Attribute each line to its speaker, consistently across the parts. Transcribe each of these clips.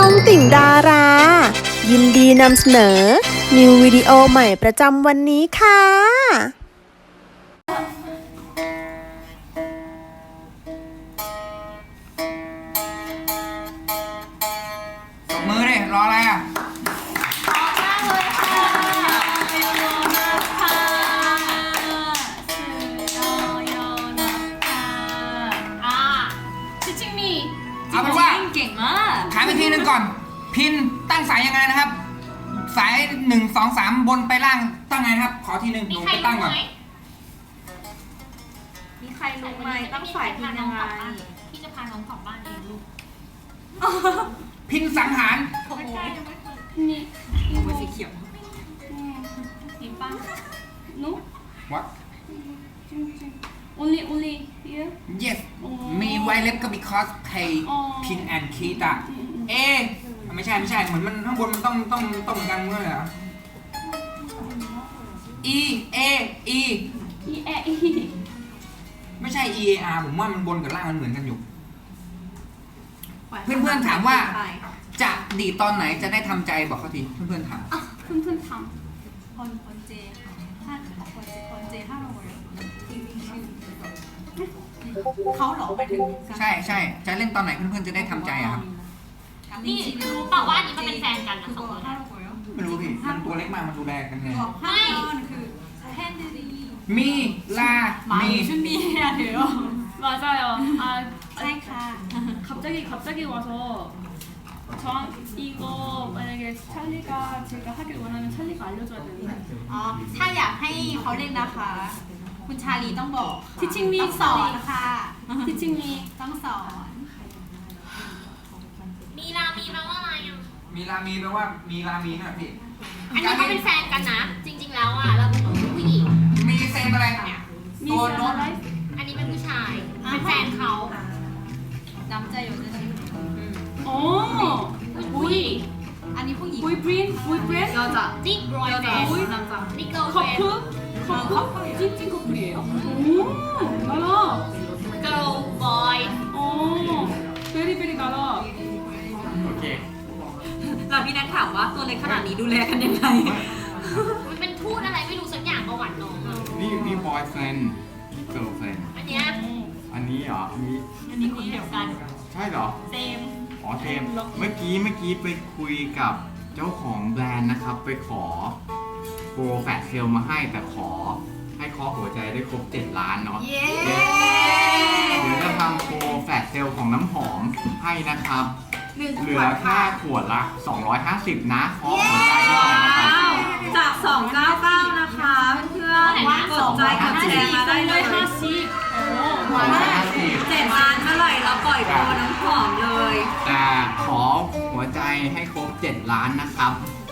Speaker 1: องติ่งดารา ยินดีนำเสนอ นิววิดีโอใหม่ประจำวันนี้ค่ะ
Speaker 2: ตบมือดิรออะไรอ่ะเอาเป็นว่าเก่งมากขายไปทีนึงก่อนพินตั้งสายยังไงนะครับสาย1 2 3บนไปล่างตั้งไงนะครับขอทีนึงหนูไปตั้งก่อน
Speaker 3: มีใครรู้ไหมตั้งสายพินยังไงพี่จะพาน้องกลับบ้านเองลูก
Speaker 2: พินสังหาร
Speaker 3: โอ้โหนี่มันสีเขียวนี่ป้านุ๊ก
Speaker 2: What
Speaker 3: only here
Speaker 2: Yes มีไวเล็บก็ because pay พิน and คีตาไม่ใช่เหมือนมันข้างบนมันต้องกันเมื่อไหร่ E E ไม่ใช่ E A R ผมว่ามันบนกับล่างมันเหมือนกันอยู่เพื่อนๆถามว่าจะดีตอนไหนจะได้ทำใจบอกเขาทีเพื่อนๆถาม
Speaker 3: เพื่อนๆทำคนเจถ้าคนเจถ้าเราเขาหลอกไปถึง
Speaker 2: ใช่จะเล่นตอนไหนเพื่อนๆจะได้ทำใจอะครับ
Speaker 3: นี่รู้เปล่าว่าอันนี้มันเป็นแฟนกันนะสองคน
Speaker 2: ไม่รู้พี่มันตัวเล็กมากมันดูแลกันไง
Speaker 3: ไม่คือแฮนด์ดี
Speaker 2: มีลามี
Speaker 3: 준비해야 돼요.
Speaker 4: 맞아요. 아,
Speaker 3: ใช่ค่ะ
Speaker 4: 갑자기 와서 전 이거 만약에 찰리가 제가 하길 원하면 찰리가 알려줘야 되는데.
Speaker 3: อ๋อถ้าอยากให้เขาเล่นนะคะ คุณชาลีต้องบอก
Speaker 4: Teaching me
Speaker 3: ต้องสอนค่ะ
Speaker 4: Teaching me
Speaker 3: ต้องสอน
Speaker 5: มีลามีแปลว่าอะไรอ่ะ
Speaker 2: มีลามีแปลว่ามีลามีนะพี่
Speaker 5: อันนี้เขาเป็นแฟนกันนะ จริงๆแล้วอ่ะเราเป็นผู้หญิง
Speaker 2: มีเซมอะไรเนี่ยตัวโน้ต
Speaker 5: อันนี้เป็นผู้ชายเป็นแฟนเขา
Speaker 3: น้ำใจอยู่ในนี้
Speaker 4: 어, 보이.
Speaker 3: อันนี้ผู้หญิง
Speaker 4: 보이프렌드? 여자.
Speaker 5: นี่บอยแฟน
Speaker 3: 남자
Speaker 5: นี่เกิร์ลเฟน
Speaker 4: 커플? 찐찐 커플이에요? 오, 나라.
Speaker 5: เกิร์ลบอย
Speaker 4: 어, 베리베리 나라.
Speaker 2: โอเค
Speaker 3: เราพี่นัทถามว่าตัวเล็กขนาดนี้ดูแลกันยังไง
Speaker 5: มันเป็นทูตอะไรไม่รู้สักอย่างประวัติน้องอ่ะ
Speaker 6: นี่ boyfriend girlfriend
Speaker 5: อันเนี้ย
Speaker 6: อันนี้เหรออันนี้
Speaker 5: อันนี้คนเดียวกัน
Speaker 6: ใช่เหรอ
Speaker 5: เซม
Speaker 6: อ๋อเทมเมื่อกี้ไปคุยกับเจ้าของแบรนด์นะครับ ไปขอโปรแฟตเซลมาให้แต่ขอให้เคาะหัวใจได้ครบ7 ล้านเนาะเดี๋ยวจะทำโปรแฟตเซลของน้ำหอมให้นะครับ เหลือแค่ขวดละ250นะเคาะหัวใจได้เลยนะครับ
Speaker 3: จาก299นะคะเพื่อนๆกดใจกดแชร์มาได้เลย 7 ล้านเมื่อไหร่เราปล่อยโปรน้ำหอมเลย
Speaker 6: แต่ขอหัวใจให้ครบ7 ล้านนะครับ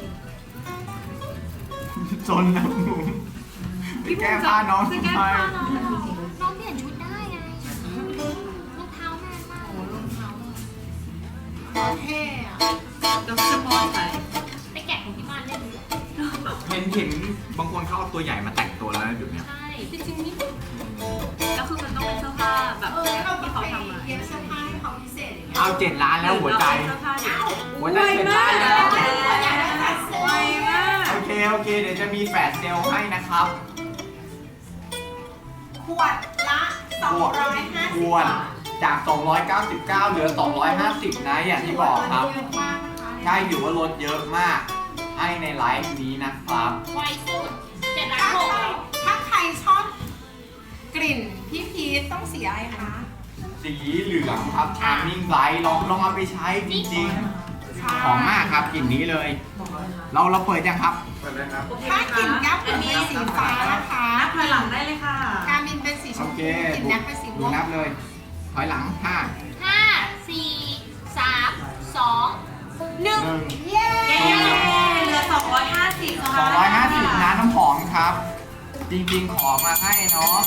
Speaker 6: จนนะหนุ่มไปแก้ผ้าน้องทำไม
Speaker 5: น้องเปลี่ยนชุดได้ไงรองเท้าแม่มากรองเท้าเท่อะ
Speaker 3: ดรมอสไป
Speaker 5: ไปแกะของที่บ้านเล่นดู
Speaker 6: เห็นบางคนเขาเอาตัวใหญ่มาแต่งตัวแล้วนะเดี๋ยวนี้
Speaker 5: ใช่
Speaker 3: จริงๆนี่แล้วคือมันต้องเป็นเสื้อผ้าแบบที่เขาทำมา
Speaker 5: เย็บเสื้อผ้าให้เขาพิเศษอย่างเงี้ย
Speaker 6: เอา7 ล้านแล้วหัวใจ
Speaker 3: เสื้อผ้าเดี๋ยว
Speaker 6: หัวใจ7 ล้านแล้ว
Speaker 3: ไวมาก
Speaker 6: โอเคเดี๋ยวจะมีแฟลชเซลล์ให้นะครับ
Speaker 5: ขวดละ250
Speaker 6: ขวดจาก 299 เหลือ 250 นะอย่างที่บอกครับ
Speaker 5: เยอะมากนะคะ
Speaker 6: ใช่อยู่ว่าลดเยอะมาก ให้ในไลฟ์นี้นะครับ
Speaker 5: ไวสุด7,600,000แล้ว
Speaker 7: ถ้าใครชอบกลิ่นพี่พีทต้องสีอะไรคะ
Speaker 6: สีเหลืองครับ Charming Bright ลองเอาไปใช้จริงๆหอมมากครับกลิ่นนี้เลย เราเปิดยังครับ
Speaker 7: ถ้ากลิ่นแก้วเป็นสีฟ้านะคะ
Speaker 3: นับถอยหลังได้เลยค่ะ
Speaker 7: การมินเป็นสีช
Speaker 6: โอ
Speaker 7: ม
Speaker 6: เค
Speaker 7: พูกลิ่นแน็กเป็นสีม่
Speaker 6: ดู
Speaker 7: วง
Speaker 6: นับเลยถอยหลัง5
Speaker 5: 5 4 3 2 1
Speaker 7: เย้
Speaker 3: เหลือ250
Speaker 6: 250นะน้ำหอมครับ จริงๆขอมาให้เนาะ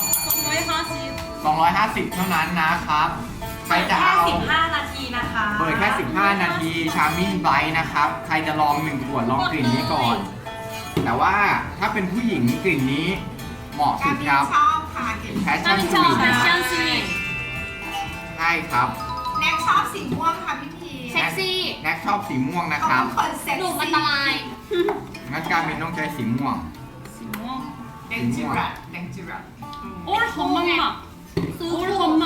Speaker 6: 250 เท่านั้นนะครับ ใครจะเอา
Speaker 3: 15 นาทีนะคะ
Speaker 6: เปิดแค่ 15 นาที Charming Bright นะครับ ใครจะลอง1 ขวดลองกลิ่นนี้ก่อน แต่ว่าถ้าเป็นผู้หญิงกลิ่นนี้เหมาะ
Speaker 7: กา
Speaker 6: สุ
Speaker 7: ร
Speaker 6: ด
Speaker 7: มิน
Speaker 6: ครับ
Speaker 7: ชอบค่ะกลิ่น
Speaker 6: Passion
Speaker 5: ชอบ
Speaker 6: Sweet
Speaker 5: แฟ
Speaker 6: นะ
Speaker 5: ชั่นสวีท
Speaker 6: ใช่ครับ
Speaker 7: แน็กชอบสีม่วงค่ะพี่พีท
Speaker 5: เซ็กซี่
Speaker 6: แน็กชอบสีม่วงนะ
Speaker 7: เขา
Speaker 6: ครับ
Speaker 7: เป็นคนเซ็ก
Speaker 3: หนูอัน
Speaker 7: ซี่
Speaker 3: ตราย
Speaker 6: งั้นการมินต้องใช้สีม่วง
Speaker 7: แดงจิรัตแดงจิรัต
Speaker 4: 올 엄마
Speaker 3: ซื้อ
Speaker 4: 올
Speaker 3: ถูก
Speaker 4: 엄마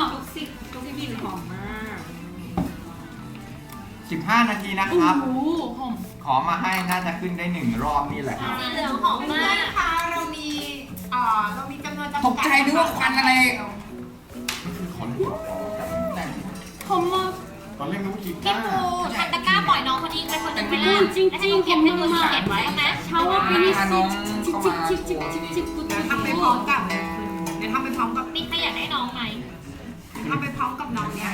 Speaker 6: 15 นาทีนะครับ
Speaker 4: 오 험
Speaker 6: ขอมาให้น่าจะขึ้นได้1 รอบนี่แหละครับ
Speaker 3: สีเหลืองหอม
Speaker 7: เพื่
Speaker 3: มา
Speaker 7: อน
Speaker 3: ก
Speaker 7: ๆคะเรามีจำนวนจำกัด
Speaker 2: ตกใจนึกว่าควันอะไร
Speaker 4: 엄마
Speaker 6: ตอนเล่นนุ๊กกี
Speaker 3: พี่
Speaker 6: ตา
Speaker 3: ปู
Speaker 6: ร์
Speaker 3: ทันตะกร้าปล่อยน้องคนนี้เป็นคนหนึ่งไปแล้ว
Speaker 4: จริงๆ
Speaker 3: แล้วให้หนูเก็บให้ดูเขียนไว้ไหม
Speaker 4: 샤워 피니시 칙칙칙칙칙칙
Speaker 7: ทำไปพร้อมกับเดี๋ยวทำไปพร้อมกับ
Speaker 3: มีใครอยากได้น้องไหม
Speaker 7: ทำไปพร้อมกับน้องเนี่ย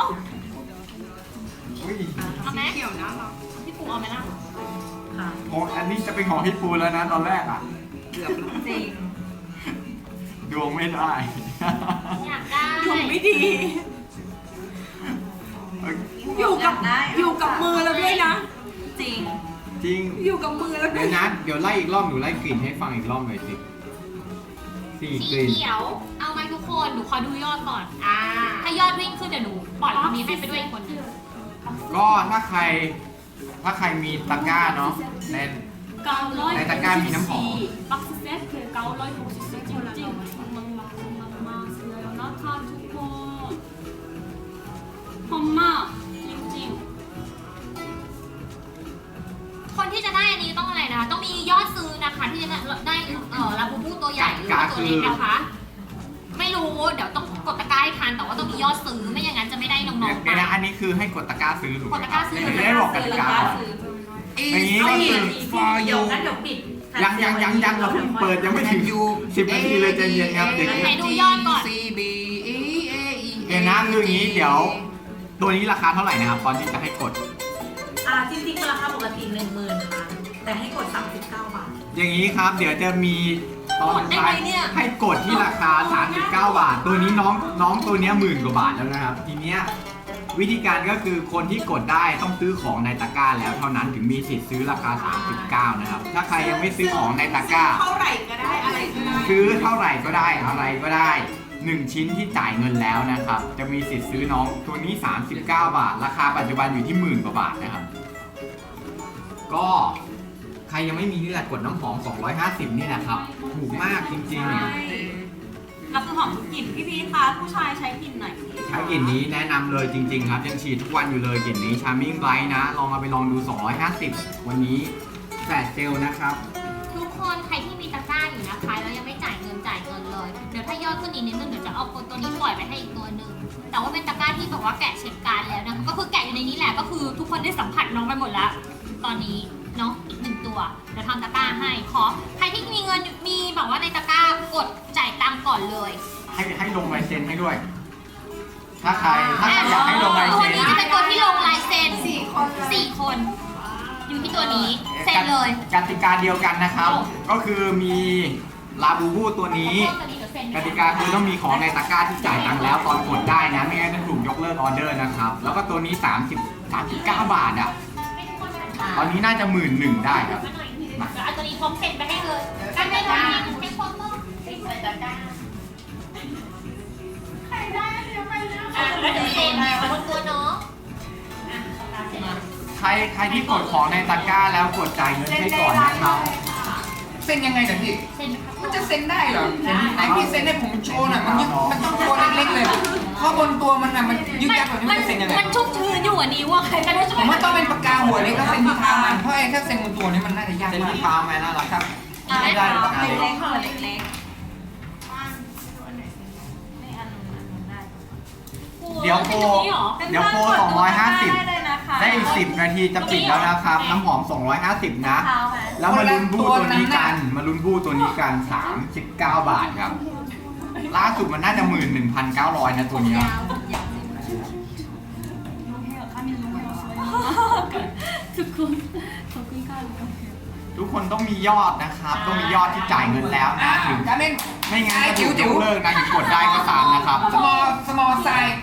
Speaker 6: อุ้ย
Speaker 3: เอาไหม
Speaker 7: เขียวนะเรา
Speaker 3: พี่ปูเอาไหมล่ะ
Speaker 6: โอ้อันนี้จะเป็นของพี่ปูแล้วนะตอนแรกอ่ะ
Speaker 7: เกือบจริง
Speaker 6: ดวงไม่ได้
Speaker 3: อยากได้
Speaker 7: ดวงไม่ดี อยู่กับมือเราด้วยนะ
Speaker 5: จริง
Speaker 6: จริง
Speaker 7: อยู่กับมือเราด้
Speaker 6: เดี๋
Speaker 7: วย
Speaker 6: ยวนะเดี๋ยวไล่อีกรอบหนูไล่กลิ่นให้ฟังอีกรอบหน่อยสิ4
Speaker 3: สี
Speaker 6: กลิ่น
Speaker 3: เขียว เอาไหมทุกคนหนูขอดูยอดก่อน ถ้ายอดวิ่งขึ้นเดี๋ยวหนูปล่อยคนนี้ให้ไปด้วยอีกคนนึง
Speaker 6: ก็ถ้าใครมีตะกร้าเนาะใน
Speaker 4: 가울러이
Speaker 6: 내 닭갈비 는 뭐?
Speaker 4: 박스 세트 가울러이 복수 세트 찡찡 막막막막 슬려요 나타 두콘 엄마 찡찡
Speaker 3: คนที่จะได้อันนี้ต้องอะไรนะคะ ต้องมียอดซื้อนะคะที่จะได้ลาบูบูตัวใหญ่หรือว่าตัวเล็กนะคะ ไม่รู้เดี๋ยวต้องกดตะกร้าให้ทันแต่ว่าต้องมียอดซื้อไม่อย่างนั้นจะไม่ได้น้องๆไป
Speaker 6: เดี๋ยวนะอันนี้คือให้กดตะกร้าซื้อถูกไหม
Speaker 3: กดตะกร้าซื้อ
Speaker 6: ไม่ได้บอกกติกาก่อน อย่างนี้ก็คือ
Speaker 2: for you
Speaker 6: ยังเราเพิ่งเปิดยังไม่ถึง10 นาทีเลยใจเย็นครับเด็ก
Speaker 3: ไหนดูยอดก่อน
Speaker 2: C B E A E
Speaker 6: เดี๋ยวนะคืออย่างนี้เดี๋ยว ตัวนี้ราคาเท่าไหร่นะครับตอนที่จะให้กด
Speaker 5: จริงๆราคาปกติ 10,000 ค่ะ แต่ให้กด 39 บาท
Speaker 6: อย่างนี้ครับ เดี๋ยวจะมีตอนท้าย
Speaker 5: กดได้ไหมเนี่ย
Speaker 6: ให้กดที่ราคา 39 บาท ตัวนี้น้องตัวเนี้ย10,000 กว่าบาทแล้วนะครับ ทีเนี้ยวิธีการก็คือคนที่กดได้ต้องซื้อของในตะกร้าแล้วเท่านั้นถึงมีสิทธิ์ซื้อราคา 39 นะครับ ถ้าใครยังไม่ซื้อของในตะกร้า
Speaker 7: เท่าไหร่ก็ได้อะไรก็ได้
Speaker 6: ซื้อเท่าไหร่ก็ได้อะไรก็ได้ 1 ชิ้นที่จ่ายเงินแล้วนะครับ จะมีสิทธิ์ซื้อน้องตัวนี้ 39 บาท ราคาปัจจุบันอยู่ที่10,000 กว่าบาทนะครับ ก็ใครยังไม่มีนี่แหละกดน้ำหอม 250 นี่นะครับ ถูกมากจริงๆ
Speaker 5: แล้วคือหอมทุกกลิ่นพี่คะผู้ชายใช้กลิ่นไหน
Speaker 6: ใช้กลิ่นนี้แนะนำเลยจริง ๆ ครับ ยังฉีดทุกวันอยู่เลยกลิ่นนี้ Charming Bright นะ ลองเอาไปลองดู 250 วันนี้แฟลชเซลนะครับ
Speaker 3: ทุกคนใครที่มีตะกร้าอยู่นะคะแล้วยังไม่จ่ายเงินเลย เดี๋ยวถ้ายอดขึ้นอีกนิดนึงเดี๋ยวจะเอาตัวนี้ปล่อยไปให้อีกตัวหนึ่งแต่ว่าเป็นตะกร้าที่แบบว่าแกะเช็คการดแล้วนะคะก็คือแกะอยู่ในนี้แหละก็คือทุกคนได้สัมผัสน้องไปหมดแล้ว ตอนนี้เนาะอีก1 ตัวเดี๋ยวทำตะกร้าให้ใครที่มีเงินมีแบบว่าในตะกร้ากดจ่ายตังค์ก่อนเลย
Speaker 6: ให้ลงลายเซ็นให้ด้วย ถ้าใครอยากให้ลงลาย
Speaker 3: ตัว
Speaker 6: เซ็น
Speaker 3: นี้จะเป็นตัวที่ลงลายเซ็น
Speaker 7: 4 คนเลย
Speaker 3: 4 คน อยู่ที่ตัวนี้เซ็นเลย
Speaker 6: กติกาเดียวกันนะครับ ก็คือมีลาบูบูตัวนี้กติกาคือต้องมีของในตะกร้าที่จ่ายตังค์แล้วตอนกดได้นะไม่งั้นจะถูกยกเลิกออเดอร์นะครับ แล้วก็ตัวนี้39 บาทอ่ะตอนนี้น่าจะ11,000ได้ครับ
Speaker 3: เอาตัวนี้พร้อมเซ็นไปให้เลยกันไม่ต้องมีให้พร้อมต้องใส่ตะกร้าแล้วเดี๋ยวเซ็นบนตัวน้อง
Speaker 6: ใครที่กดของในตะกร้าแล้วกดจ่ายเงินให้ก่อนนะครับ
Speaker 2: เซ็นยังไงเดี๋ยวพี่
Speaker 3: เซ็นครับ
Speaker 2: มันจะเซ็นได้เหรอไหนพี่เซ็นให้ผมโชว์หน่อยมันต้องตัวเล็กๆเลยเพราะบนตัวมันอะมันยึกยักแบบนี้มันจะเซ็นยังไง
Speaker 3: มันชุ่มชื้นอยู่อ่ะนิ้วอ่ะใครก็ได้ช่วย
Speaker 2: ผมว่าต้องเป็นปากกาหัวเล็กแล้วเซ็นที่เท้ามันเพราะไอ้ถ้าเซ็นบนตัวนี้มันน่าจะยาก
Speaker 6: เซ็น
Speaker 2: มาก
Speaker 6: ที่เท้าไหมน่ารัก
Speaker 2: ครับ
Speaker 6: ไม่ได้ปากกาเล็ก
Speaker 5: เล็กๆค่ะเล็ก
Speaker 6: เดี๋ยวโปร250
Speaker 5: เลยนะคะ
Speaker 6: ได้อีก10 นาทีจะปิดแล้วนะครับ น้ำหอม 250 นะ แล้วมาลุ้นบูตัวนี้กัน 39 บาทครับ ล่าสุดมันน่าจะ11,900 นะตัวเนี้ย
Speaker 4: ทุกคน ขอบคุณค่ะ
Speaker 6: ทุกคนต้องมียอดนะครับ ต้องมียอดที่จ่ายเงินแล้วนะถึง
Speaker 2: การเล่น
Speaker 6: ไม่งั้นจะถูกยกเลิกนะถึงกดได้ก็ตามนะครับ
Speaker 2: small size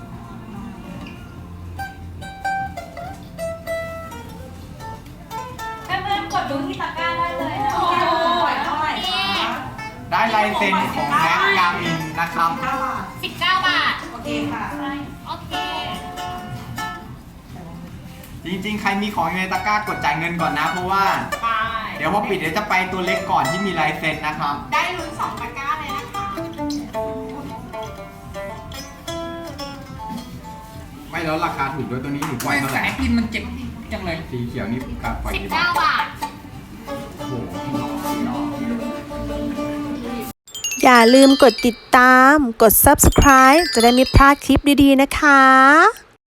Speaker 5: เพื่อนๆกดดูที่ตะกร้าได้เลยนะเท่าไหร่คะ
Speaker 6: ได้ลายเซ็นของแม็กกามินนะครับ
Speaker 3: 19 บาท
Speaker 5: โอเคค่ะ
Speaker 3: โอเค
Speaker 6: จจริงๆ ใครมีของอยู่ในตะกร้ากดจ่ายเงินก่อนนะ เพราะว่า
Speaker 7: ไป
Speaker 6: เดี๋ยวพอปิดเดี๋ยวจะไปตัวเล็กก่อนที่มีลายเซ็นนะครับ
Speaker 7: ได้ลุ้น2 ตะกร้าเลยนะคะ
Speaker 6: ไม่แล้วราคาถูกด้วยตัวนี้หนูปล่
Speaker 2: ไม่
Speaker 6: อยเท่าไห
Speaker 2: สา
Speaker 6: ร่
Speaker 2: ยพินมันเจ็บจังเลย
Speaker 6: สีเขียวนี่กับปล่อยกี่บาท
Speaker 3: 19 บาท
Speaker 6: โอ้โห
Speaker 1: อย่าลืมกดติดตาม กด subscribe จะได้ไม่พลาดคลิปดีๆนะคะ